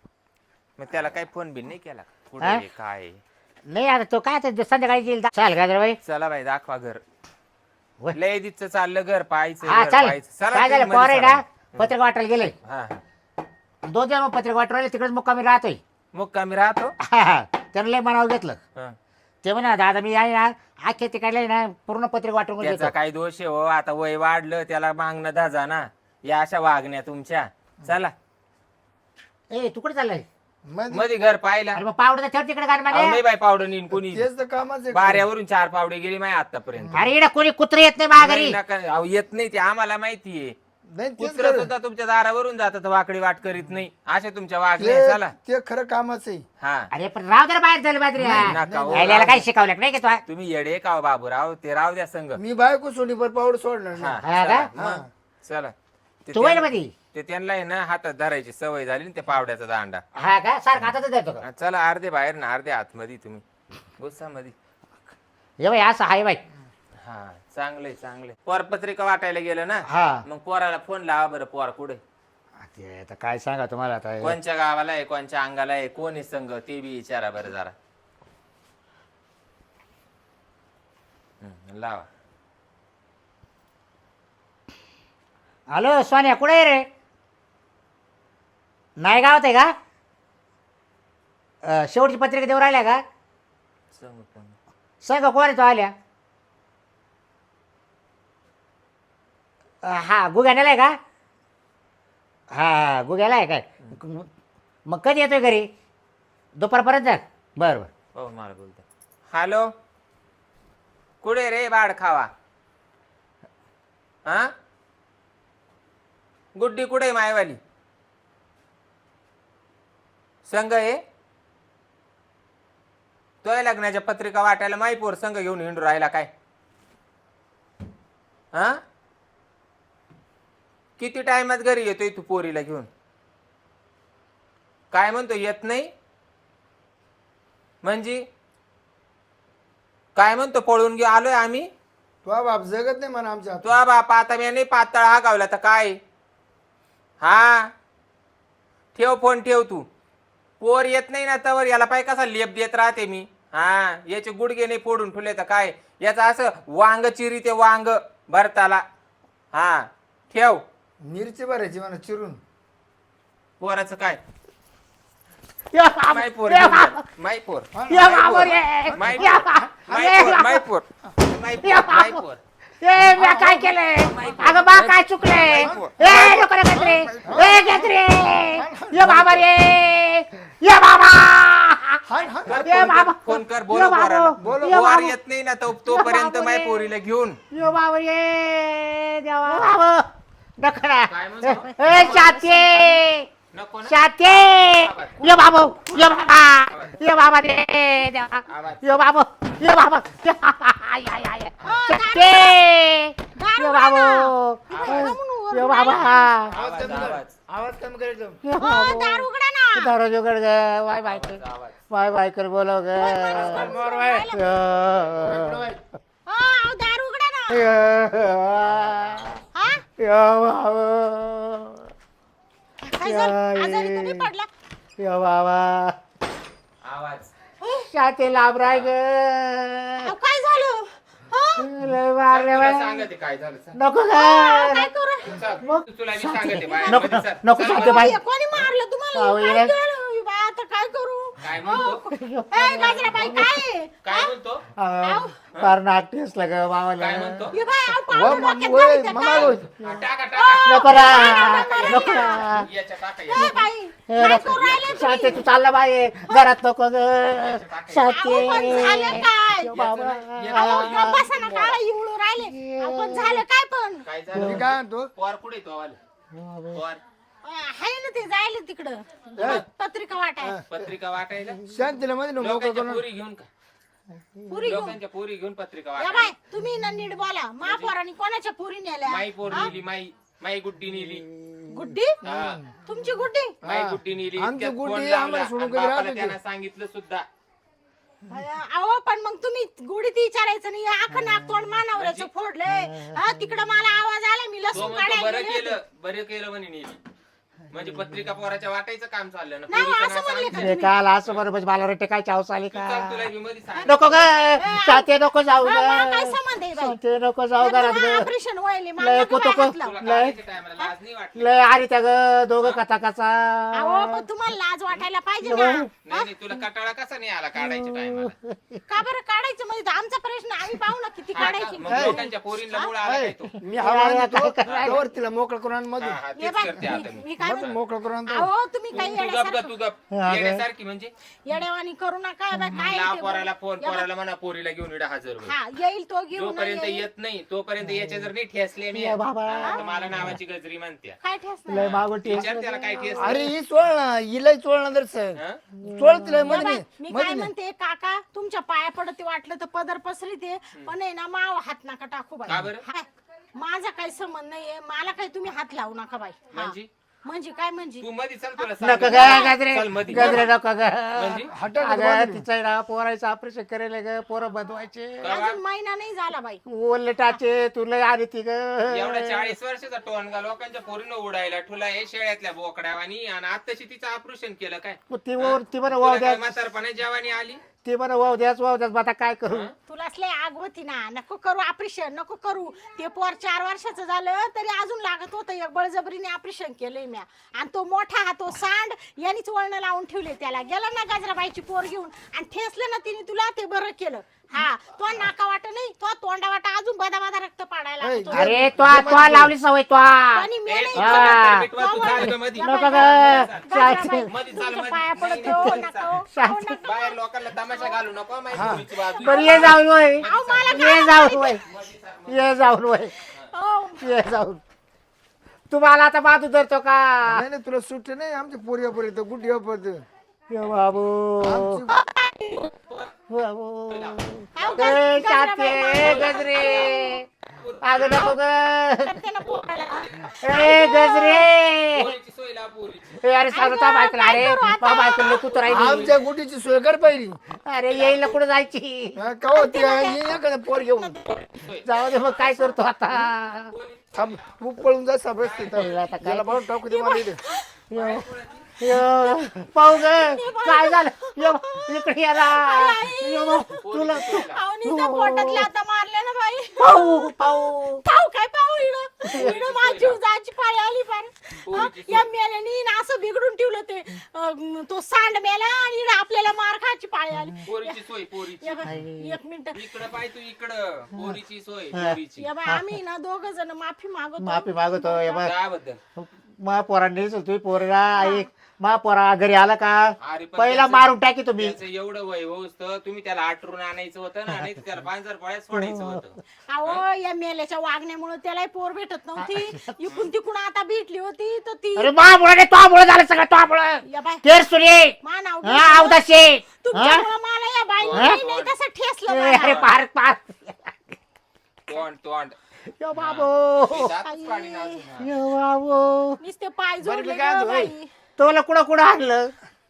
Speaker 2: मग त्याला काही फोन बिन नाही केला कुठे
Speaker 1: हा?
Speaker 2: आहे, काय आहे?
Speaker 1: नाही आता तो काय आता संध्याकाळी येईल चाल गाजरबाई.
Speaker 2: चला बाई दाखवा घर.
Speaker 1: वय.
Speaker 2: लय दिवस चाललं घर पाहायचं
Speaker 1: हा
Speaker 2: घर
Speaker 1: चाल
Speaker 2: पाहायचं. चला
Speaker 1: काय झालं
Speaker 2: तुम्ही
Speaker 1: पोर आहे
Speaker 2: मध्ये
Speaker 1: ना पत्रिका वाटायला गेले
Speaker 2: चला. हा
Speaker 1: दोन दिवस मग पत्रिका वाटवायला तिकडेच मुक्कामी राहतोय.
Speaker 2: मग कमी राहतो.
Speaker 1: त्यानं लय मनावर घेतलं
Speaker 2: हा.
Speaker 1: ते म्हणा दादा मी आहे ना आखे तिकडले ना पूर्ण पत्रिका वाटून
Speaker 2: त्याचा
Speaker 1: घेतो.
Speaker 2: काही दोष आहे हो आता वय वाढलं त्याला मागणं धाजा ना या अशा वागण्या तुमच्या. चला
Speaker 1: ए तू कुठे चाललाय
Speaker 3: मध्ये
Speaker 2: मध्ये घर पाहिला.
Speaker 1: अरे मग पावडं ठेव तिकडे गाडी
Speaker 2: अहो,
Speaker 1: मध्ये.
Speaker 2: नाही बाई पावडं नेईन कोणी.
Speaker 3: तेच तर कामाच आहे.
Speaker 2: बाऱ्यावरून चार पावडे गेली माय आतापर्यंत.
Speaker 1: अरे इकडे कोणी कुत्रे येत नाही माझ्या
Speaker 2: नाही
Speaker 1: घरी.
Speaker 2: नका अहो, येत नाही ते आम्हाला माहितीये.
Speaker 3: नाही तेच
Speaker 2: कुत्र
Speaker 3: खरं.
Speaker 2: सुद्धा तुमच्या दारावरून जातात वाकडी वाट करीत नाही असे तुमच्या वागणे
Speaker 3: ते
Speaker 2: चला
Speaker 3: ते खरं कामाचं आहे.
Speaker 2: हा
Speaker 1: अरे पण राव जरा बाहेर झालं बाजरी
Speaker 2: नका हो,
Speaker 1: यायला
Speaker 2: राव
Speaker 1: काय
Speaker 2: दे.
Speaker 1: शिकवलं नाही का तुला
Speaker 2: तुम्ही येडे का हो बाबूराव ते राव द्या संघ
Speaker 3: मी बायको सोडी पर पावड सोडणार
Speaker 2: हा
Speaker 3: नाही.
Speaker 1: हा
Speaker 2: चला,
Speaker 1: का?
Speaker 2: मग, चला ते
Speaker 1: तू वय
Speaker 2: त्यां-
Speaker 1: मध्ये
Speaker 2: ते त्यांना आहे ना हातात धरायची सवय झाली ना त्या पावड्याचा दांडा
Speaker 1: हा का सारखं हातातच देतो का
Speaker 2: हा, चला अर्धे बाहेर ना अर्धे आतमध्ये तुम्ही गुस्सा मध्ये
Speaker 1: हे बाई असं आहे बाई
Speaker 2: हा चांगलंय चांगलंय पोर पत्रिका वाटायला गेलं ना
Speaker 1: हा
Speaker 2: मग पोराला फोन लावा बरं पोर कुठे
Speaker 1: ते आता काय सांगा तुम्हाला आता
Speaker 2: कोणच्या गावाला आहे कोणच्या अंगाला आहे कोण आहे संघ ते बी विचारा बरं जरा हम्म, लावा
Speaker 1: हॅलो सोन्या कुठे आहे रे नाही गावात आहे का अं, शेवटची पत्रिका देऊ राहिल्या का
Speaker 2: संघ कोण
Speaker 1: सांग कोण आहे तो आल्या अं, हा गुग्याला आहे का हा गुग्याला आहे काय मग कधी येतोय घरी दुपारपर्यंत बरं बरं
Speaker 2: हो मला बोलतो हॅलो कुठे रे बाड खावा हा गुड्डी कुठे मायवाली संघ आहे तोय लग्नाच्या पत्रिका वाटायला माईपोर संघ घेऊन हिंडू राहिला काय हा किती टाइमात घरी येतोय तू पोरीला घेऊन काय म्हणतो येत नाही म्हणजे काय म्हणतो पळून घेऊ आलोय आम्ही
Speaker 3: तो बाप जगत नाही म्हणा आमच्या हातात.
Speaker 2: तो बाप आता मी नाही पातळ हा गावला तर काय हा ठेव फोन ठेव तू पोर येत नाही ना तवर याला पाय कसा लेप देत राहते मी हा याचे गुडघे नाही फोडून ठेवले तर काय याचं असं वांग चिरी ते वांग भरताला हा ठेव
Speaker 3: मिरची भरायची म्हणा चिरून.
Speaker 2: पोराचं काय
Speaker 1: या बाबा,
Speaker 2: माय पोर
Speaker 1: या
Speaker 2: घेऊन जा.
Speaker 1: बाबा,
Speaker 2: माय पोर
Speaker 1: या बाबा रे,
Speaker 2: माय
Speaker 1: या
Speaker 2: पोर
Speaker 1: बाबा,
Speaker 2: माय पोर माय पोर माय
Speaker 1: या
Speaker 2: पोर माय
Speaker 1: बाबा.
Speaker 2: पोर
Speaker 1: ए मी काय केलंय अगं बा काय चुकलंय ए नको रे गजरे ए गजरे या बाबा रे या बाबा
Speaker 3: हाय हाय
Speaker 2: कर,
Speaker 1: ये
Speaker 2: फोन
Speaker 1: बाबा.
Speaker 2: कर, फोन कर
Speaker 1: ये
Speaker 2: बोलो
Speaker 1: बाबा.
Speaker 2: पोराला.
Speaker 3: बोलो.
Speaker 1: ये
Speaker 2: पोर
Speaker 1: बाबा.
Speaker 2: येत नाही ना तो तोपर्यंत
Speaker 1: बाबा
Speaker 2: माय
Speaker 1: रे.
Speaker 2: पोरीला घेऊन
Speaker 1: यो बाबा ये देवा बाबा नखरा
Speaker 2: काय म्हणतो?
Speaker 1: ए शाते
Speaker 2: नको ना
Speaker 1: शाते यो बाबा यो बाबा यो बाबा रे देवा
Speaker 2: आवाज.
Speaker 1: यो बाबा यो बाबा आय आय आय शाते यो बाबा यो बाबा
Speaker 2: आवाज आवाज
Speaker 3: आवाज कमी करायचं.
Speaker 1: यो बाबा
Speaker 4: दार उघडा ना.
Speaker 1: दारू उघड ग वाय बाय कर
Speaker 2: आवाज
Speaker 1: वाय बाय कर बोलव ग
Speaker 3: मोर बाय.
Speaker 1: यो.
Speaker 4: हो, अहो, दार उघडा ना.
Speaker 1: यो.
Speaker 4: हा?
Speaker 1: यो बाबा
Speaker 4: काय झालं? आजारी तर नाही पडला?
Speaker 1: यो बाबा
Speaker 2: आवाज
Speaker 1: शाते लाभराय ग
Speaker 4: अहो, काय झालं? हो?
Speaker 1: लय मारले
Speaker 2: तुला
Speaker 1: बाय.
Speaker 2: सांगते काय झालं सांग.
Speaker 1: नको ग
Speaker 4: काय करू?
Speaker 2: चल, तुला मी सांगते बाहेर
Speaker 1: नको
Speaker 2: मध्ये चल.
Speaker 1: नको
Speaker 2: चल,
Speaker 1: शाते बाई
Speaker 4: हे कोणी मारलं तुम्हाला?
Speaker 1: अहो,
Speaker 4: काय
Speaker 1: ये.
Speaker 4: केलं? बा, आता काय करू?
Speaker 2: काय म्हणतो
Speaker 4: ए, गाजराबाई, काय आहे?
Speaker 2: काय म्हणतो
Speaker 1: अहो, फार नाक टेसलं ग मामाला
Speaker 2: काय म्हणतो
Speaker 4: हे बाई, अहो,
Speaker 3: वा,
Speaker 4: पावडर
Speaker 3: मग,
Speaker 4: डोक्यात
Speaker 3: वय,
Speaker 4: घालीत आहे
Speaker 3: मग
Speaker 4: काय?
Speaker 3: आलोय.
Speaker 2: हा, टाका टाका
Speaker 1: नको ना नको ना
Speaker 2: याच्या टाका
Speaker 4: ए,
Speaker 2: याच्या.
Speaker 4: बाई,
Speaker 1: ए,
Speaker 4: काय
Speaker 1: नको.
Speaker 4: करू राहिले
Speaker 1: शाते
Speaker 4: तुम्ही?
Speaker 1: तू चालला बाई घरात नको ग शाते
Speaker 4: अहो, पण झालं काय?
Speaker 1: यो बाबा
Speaker 4: अहो, गप्प बसा ना, काळा इवळू राहिले. अहो, पण झालं काय पण?
Speaker 2: काय
Speaker 3: मी
Speaker 2: झालं
Speaker 3: काय म्हणतो
Speaker 2: पोर कुठे तो आवाले पोर
Speaker 4: आहे ना ते जायला तिकडं पत्रिका वाटाय
Speaker 2: पत्रिका वाटायला
Speaker 3: शांतीला मध्ये मोकळं
Speaker 2: लोकांच्या
Speaker 3: करून.
Speaker 2: पोरी घेऊन का
Speaker 4: पुरी घेऊन
Speaker 2: लोकांच्या पोरी घेऊन पत्रिका
Speaker 4: या
Speaker 2: वाटायला
Speaker 4: बाय तुम्ही ना नीट बोला महापौरांनी कोणाच्या पुरी नेल्या
Speaker 2: माई पोर नेली माई माई गुड्डी नेली
Speaker 4: गुड्डी
Speaker 2: हा.
Speaker 4: तुमची गुड्डी
Speaker 2: माई गुड्डी नेली
Speaker 3: आमची
Speaker 2: त्यात
Speaker 3: गुड्डी
Speaker 2: फोन
Speaker 3: आम्हाला
Speaker 2: लावला
Speaker 3: सोडून
Speaker 2: आणि
Speaker 3: कधी
Speaker 2: बापाला
Speaker 3: राहत
Speaker 2: त्यांना
Speaker 3: होती.
Speaker 2: सांगितलं सुद्धा
Speaker 4: अहो पण मग तुम्ही गुढीत विचारायचं नाही आखं नाक तोंड मानावरचं फोडलंय हा तिकडं मला आवाज आला मी
Speaker 2: तो
Speaker 4: लसूण
Speaker 2: म्हणतो
Speaker 4: काढायला
Speaker 2: बरं
Speaker 4: गेले
Speaker 2: केलं बरं केलं म्हणे नेली म्हणजे पत्रिका पोराच्या वाटायचं काम चाललं ना
Speaker 4: नाही,
Speaker 2: पोरीचं
Speaker 4: असं
Speaker 2: नाव
Speaker 4: म्हणले
Speaker 2: सांगितलं.
Speaker 4: का?
Speaker 1: अरे काल असं बरोबर मला रट्टे काय चावस आली
Speaker 2: तू
Speaker 1: का
Speaker 2: चल, तुला मी मध्ये सांग
Speaker 1: नको ग शाते नको जाऊ
Speaker 4: हा, मला काय
Speaker 1: ग
Speaker 4: संबंध आहे बाई
Speaker 1: शाते नको जाऊ घरात ग
Speaker 4: ऑपरेशन व्हायले
Speaker 1: लय
Speaker 4: मला नका
Speaker 1: कुतुक-
Speaker 4: बाहेर हात लावू.
Speaker 2: तुला
Speaker 1: लय-
Speaker 2: काढायच्या टायमाला लाज नाही वाटली
Speaker 1: लय आली त्या ग दोघं कथा कचा
Speaker 4: अहो पण तुम्हाला लाज वाटायला पाहिजे ना
Speaker 2: नाही नाही तुला कटाळा कसा नाही आला काढायच्या टायमाला
Speaker 4: का बरं काढायचं म्हणजे आमचा प्रश्न आम्ही पाहू ना किती काढायची
Speaker 2: मग लोकांच्या पोरींना मुळ आला काय तो
Speaker 3: मी हवा
Speaker 1: अरे,
Speaker 3: देतो
Speaker 1: काय करायचं?
Speaker 3: त्यावर तिला मोकळं करून आण मधून.
Speaker 2: हा, हा,
Speaker 4: ये
Speaker 2: तेच
Speaker 4: बाय
Speaker 2: करते आता
Speaker 4: मी-
Speaker 2: मी
Speaker 4: मी काय
Speaker 3: मधून असं मोकळं करून आणतो.
Speaker 4: अहो तुम्ही
Speaker 2: तू
Speaker 4: काही
Speaker 2: तू गप ग
Speaker 4: येड्यासारखं
Speaker 2: तू गप
Speaker 1: हा, अगं.
Speaker 2: येण्यासारखी म्हणजे
Speaker 4: येड्यावानी करू नका बाई, काय
Speaker 2: ला
Speaker 4: ते
Speaker 2: पोराला
Speaker 4: बघ.
Speaker 2: फोन
Speaker 4: या बघ.
Speaker 2: पोराला म्हणा पोरीला घेऊन इडा हजर होईल.
Speaker 4: हा येईल तो घेऊन
Speaker 2: जोपर्यंत
Speaker 4: येईल.
Speaker 2: येत नाही तोपर्यंत याच्या जर नाही ठेसले मी
Speaker 1: ये बाबा.
Speaker 2: हा, तर मला नावाची गजरी म्हणते
Speaker 4: काय ठेसणार
Speaker 1: लय मागून टेस्ट
Speaker 2: विचार त्याला काय ठेस
Speaker 3: अरे ही सोड ना हिलाही सोड ना जर सर
Speaker 2: हा?
Speaker 3: सोड तिला
Speaker 4: या
Speaker 3: मध्ये
Speaker 4: बाई,
Speaker 3: नाही,
Speaker 4: मी
Speaker 3: मध्ये
Speaker 4: काय
Speaker 3: नाही.
Speaker 4: म्हणते काका तुमच्या पाया पडत वाटलं तर पदर पसरी ते पण आहे ना माव हात नका टाकू बाई
Speaker 2: का बरं?
Speaker 4: हाय. माझा काही संबंध नाहीये मला काही तुम्ही हात लावू नका बाई हा.
Speaker 2: म्हणजे?
Speaker 4: म्हणजे काय म्हणजे
Speaker 2: तू मध्ये चल तुला
Speaker 1: नको
Speaker 2: सांगितलं.
Speaker 1: ग गजरे
Speaker 2: चल मध्ये.
Speaker 1: गजरे नको ग
Speaker 2: म्हणजे?
Speaker 3: हटाक
Speaker 1: अगं
Speaker 3: बाजूला.
Speaker 1: तिचं आहे ना पोरायचं ऑपरेशन करेल ग पोरं बदवायचे
Speaker 4: अजून महिना नाही झाला बाई
Speaker 1: ओले टाचे तुला आली ती ग
Speaker 2: एवढा चाळीस वर्षाचा टोनगा लोकांच्या पोरीनं उडायला ठुला हे शेळ्यातल्या बोकड्यावानी आणि आताशी तिचं ऑपरेशन केलं काय
Speaker 1: ती वर ती बरं
Speaker 2: तुला
Speaker 1: वाव
Speaker 2: काय
Speaker 1: द्या
Speaker 2: म्हातारपणे जेवानी आली
Speaker 1: ती बरं वाव द्याच वाव द्याच आता काय करू
Speaker 4: तुला असले आग होती ना नको करू ऑपरेशन नको करू ते पोर चार वर्षाचं झालं तरी अजून लागत होतं एक बळजबरीने ऑपरेशन केलंय म्या आणि तो मोठा हा तो सांड यांनीच वळण लावून ठेवले त्याला गेला ना गाजराबाईची पोर घेऊन आणि ठेसलं ना तिने तुला ते बरं केलं हा तो नाका वाट नाही तो तोंडा वाटा अजून बदा बदा रक्त पाडायला
Speaker 3: ऐ,
Speaker 4: लागतो.
Speaker 1: अरे तो तो लावली सवय तो
Speaker 4: आणि मी
Speaker 2: ए,
Speaker 4: नाही
Speaker 2: तू
Speaker 1: हा.
Speaker 2: म्हातार मिटवा, तू चाल गं मध्ये.
Speaker 1: नको ग
Speaker 4: गाजराबाई,
Speaker 2: मध्ये चाल,
Speaker 4: तुमच्या
Speaker 2: मध्ये.
Speaker 4: पाया
Speaker 2: नाही,
Speaker 4: पडतो
Speaker 2: नाही, मध्ये
Speaker 4: नको
Speaker 2: चाल.
Speaker 4: अहो, नका.
Speaker 2: बाहेर लोकांना तमाशा घालू नको माहिती पोरीची बाजू.
Speaker 1: बरं ये जाऊन वय
Speaker 4: अहो, मला काय
Speaker 1: ये जाऊन वय ये जाऊन वय
Speaker 4: अहो,
Speaker 1: ये जाऊन तुम्हाला आता बाजू धरतो का
Speaker 3: नाही नाही तुला सुट्टी नाही आमच्या पोरी पर्यंत कुठे पर्यंत
Speaker 1: ये बाबू बाबू
Speaker 4: अहो,
Speaker 1: ए,
Speaker 4: गाजराबाई,
Speaker 1: शाते,
Speaker 4: मारू नका.
Speaker 1: गजरे अगं नको ग
Speaker 4: करते ना पोराला.
Speaker 1: ए गजरे
Speaker 2: पोरीची सोय लाव, पोरीची.
Speaker 1: ए, अरे सांगतो तो बायकला अरे बायकला कुत्र राहिली
Speaker 3: आमच्या गुटीची सोय कर पाहिजे
Speaker 1: अरे येईल ना कुठं जायची
Speaker 3: का होती एखादा पोर घेऊन
Speaker 1: जाऊ दे मग काय करतो आता
Speaker 3: थांब तू पळून जा सबस्ती
Speaker 1: आता काय?
Speaker 3: याला बघ टाकू दे मला इथे.
Speaker 1: यो, यो, पाहू ग काय झालं यो, इकडे या ना. यो, तुला तू-
Speaker 4: अहो, नुसतं पोटातल्या आता मारल्या ना बाई
Speaker 1: पाहू पाहू
Speaker 4: पाहू काय पाहू इकडं इकडं माझी जीव जायची पाळी आली पार हं? या मेल्यानी ना असं बिघडून ठेवलं ते अं, तो सांड मेला आणि इकडं आपल्याला मार खायची पाळी आली
Speaker 2: पोरीची सोय पोरीची
Speaker 4: या बाई, एक मिनिट
Speaker 2: इकडं पाय तू इकडं पोरीची सोय पोरीची
Speaker 4: या बाई आम्ही ना दोघ जण माफी मागतो
Speaker 1: माफी मागतो हे बघ
Speaker 2: त्याबद्दल
Speaker 1: मा पोरांनी तुम्ही पोरगा ऐक मा पोरा घरी आला का
Speaker 2: अरे पण
Speaker 1: पहिला
Speaker 2: त्याचं-
Speaker 1: मारून टाकी तुम्ही
Speaker 2: त्याचं एवढं वय होऊस तर तुम्ही त्याला आटरून आणायचं होतं ना नाही तर त्याला पांजर पळ्यात सोडायचं होतं
Speaker 4: अहो या मेल्याच्या वागण्यामुळे त्यालाही पोर भेटत नव्हती इकून तिकून आता भेटली होती तर ती
Speaker 1: अरे मा मुळे तो मुळे झालं सगळं तो मुळे
Speaker 4: या बाई
Speaker 1: तेर सुरे
Speaker 4: मा नाव
Speaker 1: हा
Speaker 4: घेतलं.
Speaker 1: अवदाशे
Speaker 4: तुमच्यामुळं मला या बाई
Speaker 1: हा?
Speaker 4: नाही तसं ठेसलं
Speaker 1: अरे
Speaker 4: मला.
Speaker 1: पार पार
Speaker 2: तोंड तोंड
Speaker 1: यो बाबू
Speaker 2: मी दातच काढीन अजून, हा.
Speaker 1: यो बाबू
Speaker 4: नुसते पाय
Speaker 3: बरं, मी
Speaker 4: जोडले
Speaker 3: काय
Speaker 4: गं
Speaker 3: म्हणतो,
Speaker 4: बाई
Speaker 1: तुला कुठं कुठं आणलं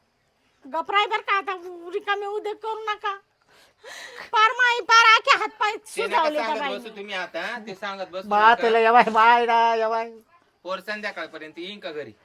Speaker 4: गपराय बर का आता रिकामे उद्योग करू नका पार माई पार आखे हात पाय
Speaker 2: ते नका
Speaker 4: सुजावले त्या
Speaker 2: सांगत
Speaker 4: बाई
Speaker 2: बसू तुम्ही आता ते सांगत बसू
Speaker 1: मा
Speaker 2: नका.
Speaker 1: तुला यवाय माय ना यवाय
Speaker 2: पोर संध्याकाळपर्यंत येईन का घरी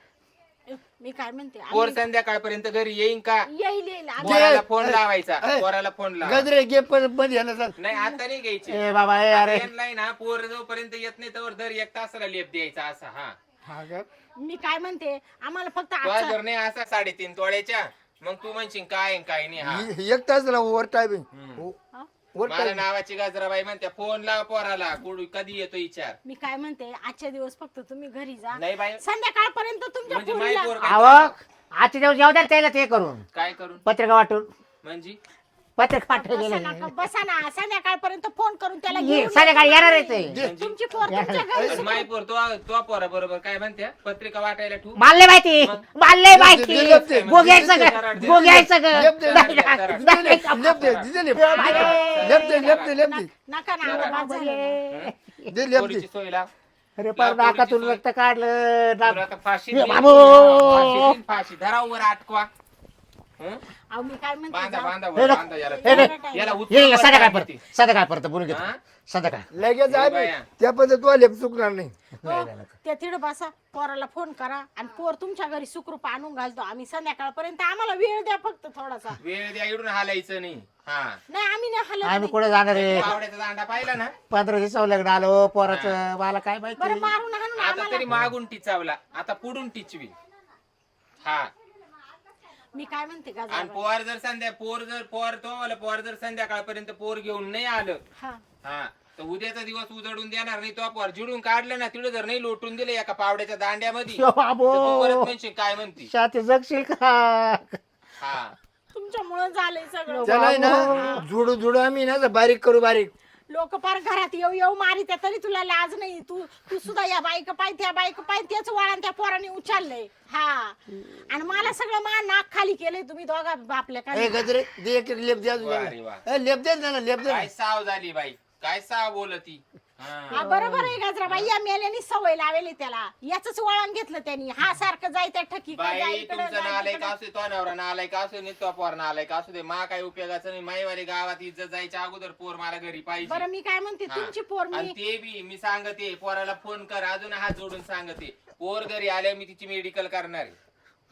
Speaker 4: मी काय म्हणते
Speaker 2: पोर
Speaker 4: आम्ही-
Speaker 2: संध्याकाळपर्यंत घरी येईन का
Speaker 4: येईल येईल आम्ही-
Speaker 2: पोराला फोन लावायचा
Speaker 3: ए,
Speaker 2: पोराला फोन लावा
Speaker 3: गजरे घे पण मध्ये याला चाल
Speaker 2: नाही आता नाही घ्यायचे
Speaker 1: ए बाबा ए अरे
Speaker 2: नाही ना पोर जोपर्यंत येत नाही तर दर एक तासाला लेप द्यायचा असा हा
Speaker 3: हा का
Speaker 4: मी काय म्हणते आम्हाला फक्त
Speaker 2: तो
Speaker 4: आजचा-
Speaker 2: जर नाही असा साडेतीन तोड्याच्या मग तू म्हणशील काय आहे, काय नाही हा
Speaker 3: इ- एक तास झाला ओव्हर टायमिंग
Speaker 4: हा?
Speaker 3: ओव्हर
Speaker 2: मला
Speaker 3: टाइम
Speaker 2: नावाची गाजराबाई म्हणते फोन लाव पोराला कुठं- कधी येतो विचार
Speaker 4: मी काय म्हणते आजच्या दिवस फक्त तुम्ही घरी जा
Speaker 2: नाही बाई
Speaker 4: संध्याकाळपर्यंत तुमच्या
Speaker 2: म्हणजे माई
Speaker 4: पोरीला
Speaker 2: पोर काय
Speaker 1: आव
Speaker 2: करणार?
Speaker 1: आजच्या दिवस येऊ द्या त्याला ते करून
Speaker 2: काय करून
Speaker 1: पत्रिका वाटून
Speaker 2: म्हणजे
Speaker 1: पत्रिका
Speaker 4: बसा
Speaker 1: पाठवलेलं
Speaker 4: ना बसा ना संध्याकाळपर्यंत फोन करून त्याला
Speaker 1: ये,
Speaker 4: घेऊन
Speaker 1: संध्याकाळी येणार आहे ते
Speaker 2: म्हणजे?
Speaker 4: तुमची पोर तुमच्या घरी
Speaker 2: आणि माई पोर तो तो पोरा बरोबर काय म्हणते पत्रिका वाटायला ठेवू
Speaker 1: मानले माहिती मानले माहिती
Speaker 3: लेप दे,
Speaker 1: गोग्याय सगळं
Speaker 2: लेप दे.
Speaker 1: गोग्याय सगळं
Speaker 3: लेप दे,
Speaker 1: नाही,
Speaker 2: लेप दे,
Speaker 1: नाही,
Speaker 2: लेप
Speaker 1: नाही,
Speaker 3: लेप दे दिदे लेप लेप दे लेप दे लेप दे
Speaker 4: नका ना आवाज झाला.
Speaker 3: दे लेप दे
Speaker 2: पोरीची सोय लाव
Speaker 1: अरे पण नाकातून रक्त काढलं
Speaker 2: तुला
Speaker 1: ना-
Speaker 2: आता फाशी
Speaker 1: ए,
Speaker 2: देईन,
Speaker 1: बाबू.
Speaker 2: फाशी देईन, फाशी धरावर अटकवा हं?
Speaker 4: अहो मी काय म्हणते
Speaker 2: बांधा
Speaker 4: जा.
Speaker 2: बांधा
Speaker 1: हे
Speaker 2: वर
Speaker 1: ना-
Speaker 2: बांधा याला
Speaker 1: हे ना-
Speaker 2: याला
Speaker 1: ये
Speaker 2: उचलून
Speaker 1: ये,
Speaker 2: वर
Speaker 1: संध्याकाळ
Speaker 2: टाका
Speaker 1: परत संध्याकाळ परत बोलून घेतो
Speaker 2: हा?
Speaker 1: संध्याकाळ
Speaker 3: लगेच आहे
Speaker 2: बाया.
Speaker 3: त्या पद्धत तू लेप चुकणार नाही
Speaker 4: हो, त्या तिड बसा पोराला फोन करा आणि पोर तुमच्या घरी सुखरूप आणून घालतो आम्ही संध्याकाळपर्यंत आम्हाला वेळ द्या फक्त थोडासा
Speaker 2: वेळ द्या इडून हालायचं नाही हा
Speaker 4: नाही आम्ही नाही हलत
Speaker 1: आम्ही
Speaker 4: नाही.
Speaker 1: कुठे जाणार आहे
Speaker 2: आवड्याचा दांडा पाहिला ना
Speaker 1: पंधरा दिवसावर लग्न आलो पोराचं मला काय
Speaker 4: बरं
Speaker 1: माहिती
Speaker 4: मारून हाणून
Speaker 2: आता
Speaker 4: आम्हाला
Speaker 2: तरी मागून टिचावला आता पुढून टिचवी हा
Speaker 4: मी काय म्हणते
Speaker 2: आणि
Speaker 4: गाजर
Speaker 2: पोर जर संध्या पोर जर पोर तो आला पोर जर संध्याकाळपर्यंत पोर घेऊन नाही आलं
Speaker 4: हा
Speaker 2: हा तर उद्याचा दिवस उजडून देणार नाही. तो पोर जिडून काढलं ना तिकडे जर नाही लोटून दिले एका पावड्याच्या दांड्यामध्ये
Speaker 1: यो
Speaker 2: तर तू
Speaker 1: बाबो
Speaker 2: परत म्हणशील काय म्हणती.
Speaker 1: शाती जगशील का
Speaker 2: हा
Speaker 4: तुमच्यामुळे झालंय सगळं.
Speaker 3: त्याला आहे ना जुडू जुडू आम्ही ना बारीक करू बारीक.
Speaker 4: लोक पार घरात येऊ येऊ मारित तरी तुला लाज नाही. तू तू सुद्धा या बाईक पाय त्या बाईक पाय तेच वळण त्या पोराने उचललंय. हा आणि मला सगळं मा नाक खाली केलंय तुम्ही दोघा बापल्या
Speaker 3: ए
Speaker 4: काय.
Speaker 3: गजरे दे एक एक लेप द्या
Speaker 2: वा रे वा.
Speaker 3: ए, लेप दे ना लेप दे.
Speaker 2: काय साव झाली बाई, काय साव बोलती. हा.
Speaker 4: हा, बरोबर आहे गजराबाई. या मेल्यानी सवय लावेली त्याला. याच वळण घेतलं त्यांनी. हा सारखं जायचं ठकी
Speaker 2: बाई तुमचं नालाय का असू तो नवरा नालाय का असू नाही तो पोर नालाय का असू दे मा काय उपयोगाचं नाही. माईवाली गावात इज्जत जायच्या अगोदर पोर मला घरी पाहिजे.
Speaker 4: बरं मी काय म्हणते
Speaker 2: हा.
Speaker 4: तुमची पोर
Speaker 2: आणि
Speaker 4: मी
Speaker 2: ते बी मी सांगते पोराला फोन कर अजून हात जोडून सांगते पोर घरी आल्या मी तिची मेडिकल करणार आहे.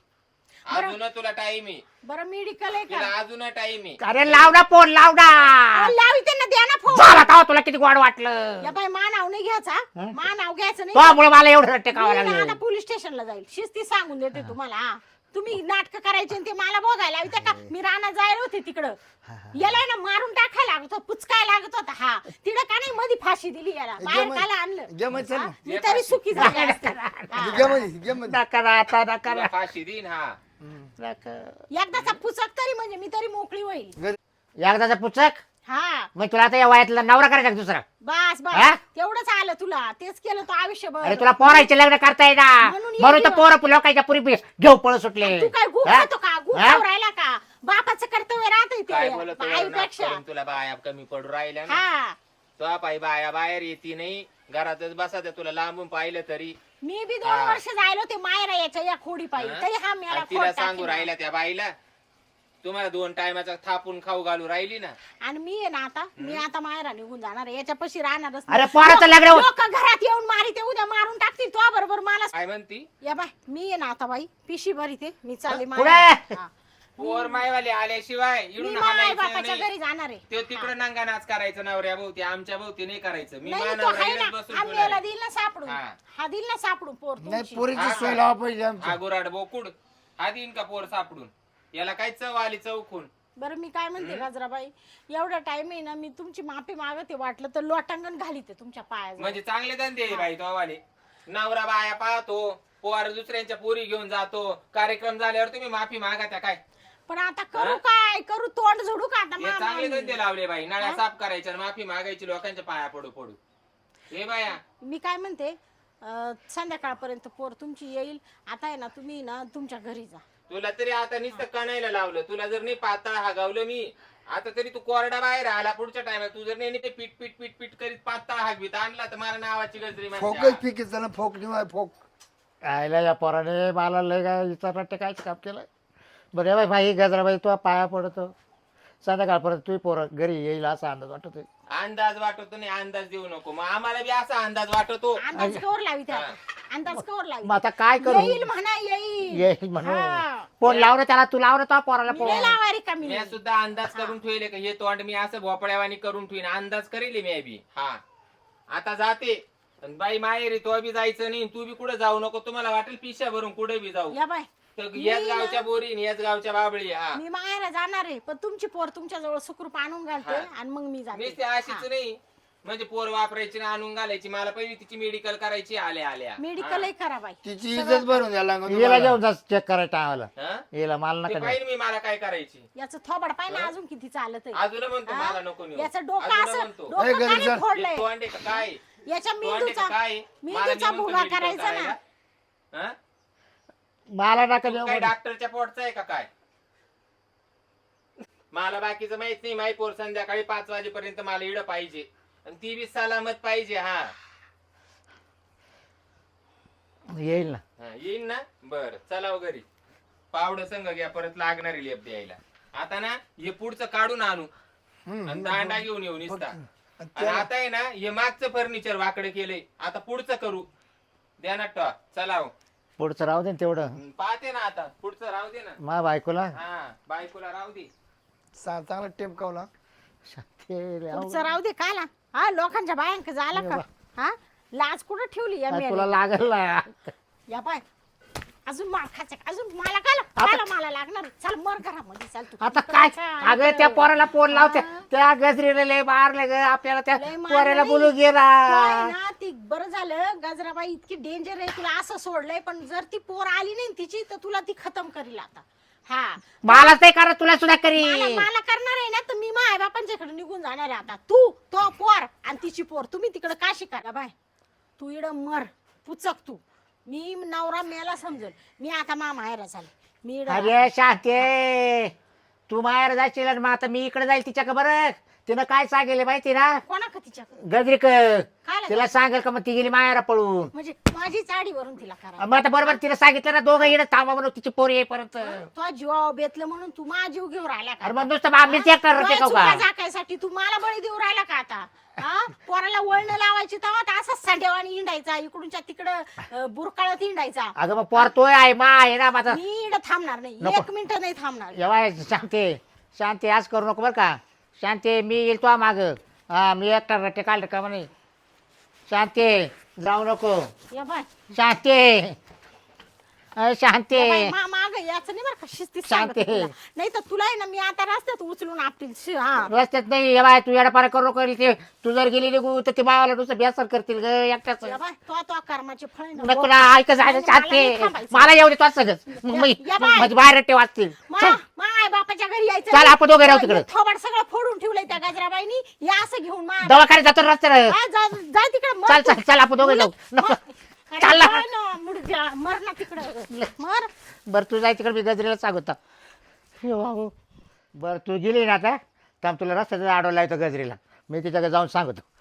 Speaker 2: अजून तुला टाइम आहे.
Speaker 4: बरं मेडिकल आहे
Speaker 2: तुला
Speaker 4: का.
Speaker 2: अजून टाइम आहे.
Speaker 1: अरे लाव ना फोन लाव ना
Speaker 4: अहो, लावी त्यांना द्या ना फोन.
Speaker 1: झाला का तुला किती गोड वाटलं
Speaker 4: या बाई मा नाव नाही घ्यायचा. मा नाव घ्यायचं नाही.
Speaker 1: त्यामुळे मला एवढं टेकावं
Speaker 4: मी ना आता
Speaker 1: लागलं
Speaker 4: पोलीस स्टेशनला जाईल. शिस्ती सांगून देते तुम्हाला. हा. तुम्ही नाटक करायचे आणि ते मला बघायला लावते का. मी रानात जायला होते तिकडं. याला ना मारून टाकायला लागत होता, पुचकाय लागत होता. हा तिकडं का नाही मध्ये फाशी दिली याला. बाहेर काला आणलं.
Speaker 3: घे मग चल
Speaker 4: हा,
Speaker 3: ना.
Speaker 4: मी तरी सुखी झाले असते. हा.
Speaker 3: घे मध्ये घे मध्ये.
Speaker 1: नका आता नका
Speaker 2: तुला फाशी देईन. हा
Speaker 1: नका.
Speaker 4: एकदाचा पुचक तरी म्हणजे मी तरी मोकळी होईल.
Speaker 3: गजरे,
Speaker 1: एकदाचा पुचक
Speaker 4: हा
Speaker 1: मग तुला आता या वयातला नवरा करायचा का दुसरा
Speaker 4: बस
Speaker 1: हा?
Speaker 4: बस तेवढंच आलं तुला. तेच केलं तो आयुष्यभर.
Speaker 1: अरे तुला पोरायचे लग्न करता येईना
Speaker 4: म्हणून ये
Speaker 1: म्हणून तर
Speaker 4: दिवस.
Speaker 1: पोरं लोकांच्या पुरी घेऊ पळ सुटले
Speaker 4: तू काय गुप
Speaker 1: हा?
Speaker 4: खातो का गुप
Speaker 1: हा?
Speaker 4: खाऊ राहिला का. बापाचं कर्तव्य राहतंय
Speaker 2: काय
Speaker 4: ते
Speaker 2: बोलतो
Speaker 4: आईपेक्षा.
Speaker 2: तुला बाया कमी पडू राहिल्या ना.
Speaker 4: हा
Speaker 2: तो पायी बाया बाहेर येते नाही घरातच बसा त्या तुला लांबून पाहिलं तरी.
Speaker 4: मी बी दोन
Speaker 2: हा.
Speaker 4: वर्ष जायला होते मायरा याच्या या खोडी पाहिजे
Speaker 2: हा?
Speaker 4: तरी हा मला
Speaker 2: आणि तिला सांगू राहिला त्या बाईला तुम्हाला दोन टायमाचा थापून खाऊ घालू राहिली ना.
Speaker 4: आणि मी आहे ना आता मी आता मायरा निघून जाणार आहे. याच्यापाशी राहणारच
Speaker 1: अरे पोराचं लग्न होत-
Speaker 4: लोक घरात येऊन मारी ते उद्या मारून टाकतील. तो बरोबर मला
Speaker 2: काय म्हणती
Speaker 4: या बाय मी आहे ना आता बाई पिशी भरी ते मी चालले
Speaker 1: पुढे.
Speaker 4: मायरा. हा.
Speaker 2: पोर मायवाले आल्याशिवाय
Speaker 4: मी
Speaker 2: इडून
Speaker 4: माय
Speaker 2: हाणायचं
Speaker 4: बापाच्या
Speaker 2: नाही.
Speaker 4: घरी जाणार आहे.
Speaker 2: ते तिकडे नंगा नाच करायचं नवऱ्या भोवती आमच्या भोवती नाही करायचं. मी
Speaker 4: नाही तो
Speaker 2: मानव
Speaker 4: आहे
Speaker 2: राहिलंच
Speaker 4: ना
Speaker 2: बसून
Speaker 4: हा
Speaker 2: ठेवणार
Speaker 4: मेला
Speaker 2: आहे.
Speaker 4: दिल ना सापडून.
Speaker 2: हा.
Speaker 4: हा दिल ना सापडून पोर
Speaker 3: नाही
Speaker 4: तुमची.
Speaker 3: पोरीची
Speaker 2: हा
Speaker 3: सोय
Speaker 2: का?
Speaker 3: लावा पाहिजे
Speaker 2: हा
Speaker 3: आमची.
Speaker 2: गुराड बोकुड हा देईन का पोर सापडून. याला काय चव आली चौकून.
Speaker 4: बरं मी काय म्हणते गजराबाई एवढा टाइम आहे ना मी तुमची माफी मागते. वाटलं तर लोटांगण घालीते तुमच्या पायाजवळ.
Speaker 2: म्हणजे चांगले धंदे आहे बाई तो वाले. नवरा बाया पाहतो पोर दुसऱ्यांच्या पोरी घेऊन जातो. कार्यक्रम झाल्यावर तुम्ही माफी मागा त्या काय.
Speaker 4: पण आता करू काय करू तोंड झोडू का आता
Speaker 2: हे
Speaker 4: मामा
Speaker 2: चांगले
Speaker 4: मी?
Speaker 2: धंदे लावले बाई. नळ्या साफ करायच्या आणि माफी मागायची लोकांच्या पाया पडू पडू. हे बाया
Speaker 4: मी काय म्हणते अं, संध्याकाळपर्यंत पोर तुमची येईल. आता आहे ना तुम्ही ना तुमच्या घरी जा.
Speaker 2: तुला तरी आता नुसतं कणायला लावलं. तुला जर नाही पातळ हागावलं मी आता तरी तू कोरडा बाहेर आला पुढच्या टायमात. तू जर नाही ते पीठ पीठ पीठ पीठ करीत पातळ हागवीत आणला तर मला नावाची गजरी
Speaker 3: फोकच
Speaker 2: म्हणते.
Speaker 3: पिके चला फोक निवाय फोक.
Speaker 1: आयला या पोराने मला लय काय विचार कायच काम केलं बरं बाई भाई गजराबाई तू पाया पडतो संध्याकाळपर्यंत तू पोरं घरी येईल असा अंदाज वाटतोय.
Speaker 2: अंदाज वाटतो नाही अंदाज देऊ नको. मग आम्हाला बी असा अंदाज वाटतो.
Speaker 4: अंदाज कवर लावी त्या अंदाज कवर लावी.
Speaker 1: मग आता काय करू
Speaker 4: येईल म्हणा येईल.
Speaker 1: येईल म्हणून
Speaker 4: हा.
Speaker 1: फोन लाव ना त्याला तू लाव ना तो पोराला
Speaker 4: मी
Speaker 1: फोन
Speaker 4: नाही लावारी का मी.
Speaker 2: मी सुद्धा अंदाज करून ठेवले का हे तोंड मी असं भोपळ्यावानी करून ठेवीन. अंदाज करेल मी बी. हा आता जाते पण बाई माहेरी तो बी जायचं नाही. तू बी कुठे जाऊ नको. तुम्हाला वाटेल पिशा भरून कुठे बी जाऊ.
Speaker 4: या बाय
Speaker 2: तर याच
Speaker 4: मी
Speaker 2: गावच्या
Speaker 4: ना-
Speaker 2: बोरी याच गावच्या बाबळी. हा
Speaker 4: मी माहेरा जाणार आहे पण तुमची पोर तुमच्या जवळ सुखरूप आणून घालते
Speaker 2: हा.
Speaker 4: आणि मग मी
Speaker 2: मी
Speaker 4: जाते.
Speaker 2: ते अशीच नाही म्हणजे पोर वापरायची ना आणून घालायची. मला पहिली तिची मेडिकल करायची आल्या आल्या.
Speaker 4: मेडिकल करा बाई.
Speaker 3: तिची इज्जत भरून द्यायला लागत
Speaker 1: येला
Speaker 3: तुम्हाला.
Speaker 1: घेऊन जा चेक करायला टाळाला
Speaker 2: हा?
Speaker 1: येला मला
Speaker 2: ते
Speaker 1: नका
Speaker 2: पाहिजे मी मला काय करायची.
Speaker 4: याचं थोबड पाय ना अजून किती चालत आहे.
Speaker 2: अजून म्हणतो
Speaker 4: हा?
Speaker 2: मला नको नेऊ.
Speaker 4: याचं डोकं
Speaker 2: अजून
Speaker 4: असं
Speaker 2: म्हणतो.
Speaker 4: डोकं
Speaker 3: ए,
Speaker 4: का
Speaker 3: घरी
Speaker 4: नाही
Speaker 3: चल.
Speaker 4: फोडलंय.
Speaker 2: हे तोंडे का काय
Speaker 4: याच्या
Speaker 2: तोंडे
Speaker 4: मेंदूचा
Speaker 2: का काय मला
Speaker 4: मेंदूचा
Speaker 2: नेऊन
Speaker 4: भुगा
Speaker 2: medical
Speaker 4: करायचा ना.
Speaker 2: करायला? हा?
Speaker 1: मला नका
Speaker 2: तू
Speaker 1: देऊ
Speaker 2: काय
Speaker 1: म्हणे.
Speaker 2: डॉक्टरच्या पोटचा आहे का काय. मला बाकीचं माहित नाही. माही पोर संध्याकाळी पाच वाजेपर्यंत मला इड पाहिजे आणि ती बी सलामत पाहिजे. हा
Speaker 1: येईल ना
Speaker 2: हा, येईन ना. बर चला हो घरी. पावडं संग घ्या परत लागणारी लेप द्यायला. आता ना हे पुढचं काढून आणू
Speaker 3: हम्म,
Speaker 2: आणि दांडा घेऊन येऊ निसता.
Speaker 3: आणि
Speaker 2: आणि
Speaker 3: त्याला-
Speaker 2: आता आहे ना हे मागचं फर्निचर वाकडे केलंय. आता पुढचं करू द्या ना टॉ. चला हो.
Speaker 1: पुढचं राहू दे ना तेवढं
Speaker 2: हम्म, पाहते ना आता पुढचं राहू दे ना.
Speaker 1: मा बायकोला
Speaker 2: हा बायकोला राहू दे.
Speaker 3: चा- चांगला टेप कावला.
Speaker 1: ते लय अवघड.
Speaker 4: पुढचं राहू दे काला. हा लोकांच्या बायांक झाला का. हा लाज कुठं ठेवली या
Speaker 1: काय तुला
Speaker 4: मेली?
Speaker 1: लागल ना
Speaker 4: या बाय अजून मार खायचं अजून मला काला काला मला लागणार. चल मर घरामध्ये चल तू.
Speaker 1: आता काय अगं त्या पोराला फोन लावते त्या गजरीला लय मारलं ग आपल्याला त्या
Speaker 4: लय मारलं
Speaker 1: पोऱ्याला
Speaker 4: नाही.
Speaker 1: बोलू
Speaker 4: तो
Speaker 1: गेला
Speaker 4: आहे ना ती बरं झालं गजराबाई इतकी डेंजर आहे तुला असं सोडलंय पण जर ती पोर आली नाही तिची तर तुला ती खतम करील आता हा
Speaker 1: मला ते करा तुला सुद्धा करी
Speaker 4: मला मला करणार आहे ना तर मी माझ्या बापांच्याकडे निघून जाणार आहे आता तू तो पोर आणि तिची पोर तुम्ही तिकडे का शिकायला बाय तू इड मर पुचक तू मी नवरा मेला समजल मी आता मा माहेरा झाले मी इकडं
Speaker 1: अरे शांते तू माहेर जायची मग आता मी इकडे जाईल तिच्या का बरं तिनं काय सांगेल माहिती ना
Speaker 4: कोणा का तिच्या
Speaker 1: गजरी क
Speaker 4: काय
Speaker 1: तिला सांगेल का मग ती गेली माहेरा पळून
Speaker 4: म्हणजे माझी चाडीवरून तिला करा
Speaker 1: मग आता बरोबर तिला सांगितलं ना दोघं येणं थांबा म्हणून तिची पोरी येईपर्यंत
Speaker 4: तो जीवा बेतलं म्हणून तू माझा जीव घेऊन राहिला का
Speaker 1: अरे मग नुसतं आम्हीच एकटा
Speaker 4: तुला
Speaker 1: टेकाव
Speaker 4: चुका
Speaker 1: का
Speaker 4: झाकायसाठी तू मला बळी देऊ राहिला का आता हा पोराला वळण लावायची तेव्हा तर असाच सांडेवाणी हिंडायचा इकडूनच्या तिकडं बुरकाळत हिंडायचा
Speaker 1: अगं मग पोर तोय आहे मा आहे ना माझा
Speaker 4: मी इकडं थांबणार नाही
Speaker 1: नको.
Speaker 4: एक मिनिट नाही थांबणार
Speaker 1: जेव्हा शांती शांती आज करू नको बरं का शांती मी येईल तो माग हा मी एकटा रट्टे काढ का म्हणे शांती जाऊ नको
Speaker 4: या बाय
Speaker 1: शांती अय शांती
Speaker 4: माग याच नाही बरं का शिस्तीत
Speaker 1: शांती.
Speaker 4: नाही तर तुला आहे ना मी आता रस्त्यात उचलून आपटील शी, हा
Speaker 1: रस्त्यात नाही ये बाय तू येडापारा करू नको ते तू जर गेली निघू तर ते मावाला नुसतं बेसर करतील ग एकट्याच
Speaker 4: या बाय तो तो कर्माचे फळ आहे ना.
Speaker 1: नको ना ऐक जायचं
Speaker 4: नाही, मला नाही
Speaker 1: शांती
Speaker 4: थांबायचं.
Speaker 1: मला येऊ दे तो सगळं मग मी
Speaker 4: या बाय.
Speaker 1: माझी बाहेर रट्टे वाचतील
Speaker 4: मा
Speaker 1: चल
Speaker 4: माय बापाच्या घरी यायचं
Speaker 1: चल,
Speaker 4: नाही.
Speaker 1: आपण दोघे राहू तिकडे.
Speaker 4: थोबाड सगळं फोडून ठेवलंय त्या गजराबाईनी या असं घेऊन मा
Speaker 1: दवाखान्यात जातो रस्त्यावर
Speaker 4: जाय तिकडे
Speaker 1: चल चल चल आपण दोघे जाऊ नको चाल ना.
Speaker 4: मुडद्या मर ना तिकडे मर
Speaker 1: बरं तू जाय तिकडे मी गजरीला सांगतो बरं तू गेली ना आता तर तुला रस्त्याचा आडवला येतो गजरीला मी तिच्याकडे जाऊन सांगतो